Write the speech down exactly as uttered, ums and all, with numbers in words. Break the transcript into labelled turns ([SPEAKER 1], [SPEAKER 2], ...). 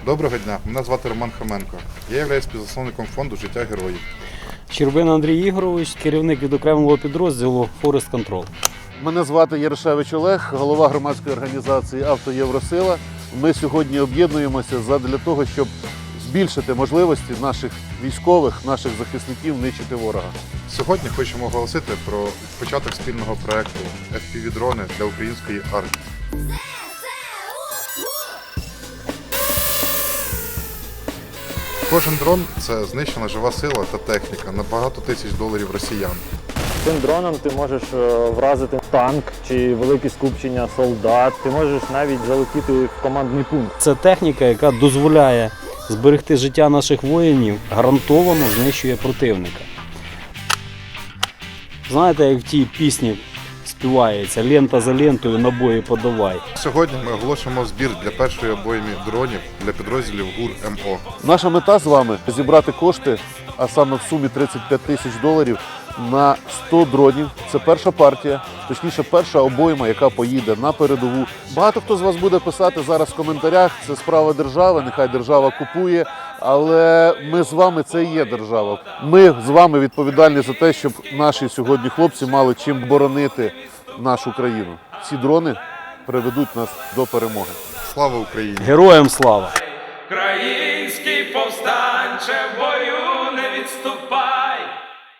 [SPEAKER 1] Доброго дня, мене звати Роман Хоменко. Я являюсь співзасновником фонду «Життя героїв».
[SPEAKER 2] Щербина Андрій Ігорович, керівник відокремленого підрозділу «Форест Контрол».
[SPEAKER 3] Мене звати Ярошевич Олег, голова громадської організації «Авто Євросила». Ми сьогодні об'єднуємося задля того, щоб збільшити можливості наших військових, наших захисників нищити ворога.
[SPEAKER 1] Сьогодні хочемо оголосити про початок спільного проєкту еф пі ві-дрони для української армії. Кожен дрон – це знищена жива сила та техніка на багато тисяч доларів росіян.
[SPEAKER 4] Цим дроном ти можеш вразити танк чи велике скупчення солдат, ти можеш навіть залетіти в командний пункт.
[SPEAKER 2] Це техніка, яка дозволяє зберегти життя наших воїнів, гарантовано знищує противника. Знаєте, як в тій пісні співається «Лента за лентою, набої подавай».
[SPEAKER 1] Сьогодні ми оголошуємо збір для першої обойми дронів для підрозділів ГУР ем о.
[SPEAKER 3] Наша мета з вами – зібрати кошти, а саме в сумі тридцять п'ять тисяч доларів, на сто дронів. Це перша партія, точніше перша обойма, яка поїде на передову. Багато хто з вас буде писати зараз в коментарях, це справа держави, нехай держава купує, але ми з вами – це і є держава. Ми з вами відповідальні за те, щоб наші сьогодні хлопці мали чим боронити нашу країну. Ці дрони приведуть нас до перемоги.
[SPEAKER 1] Слава Україні!
[SPEAKER 2] Героям слава!
[SPEAKER 5] Український повстанче в бою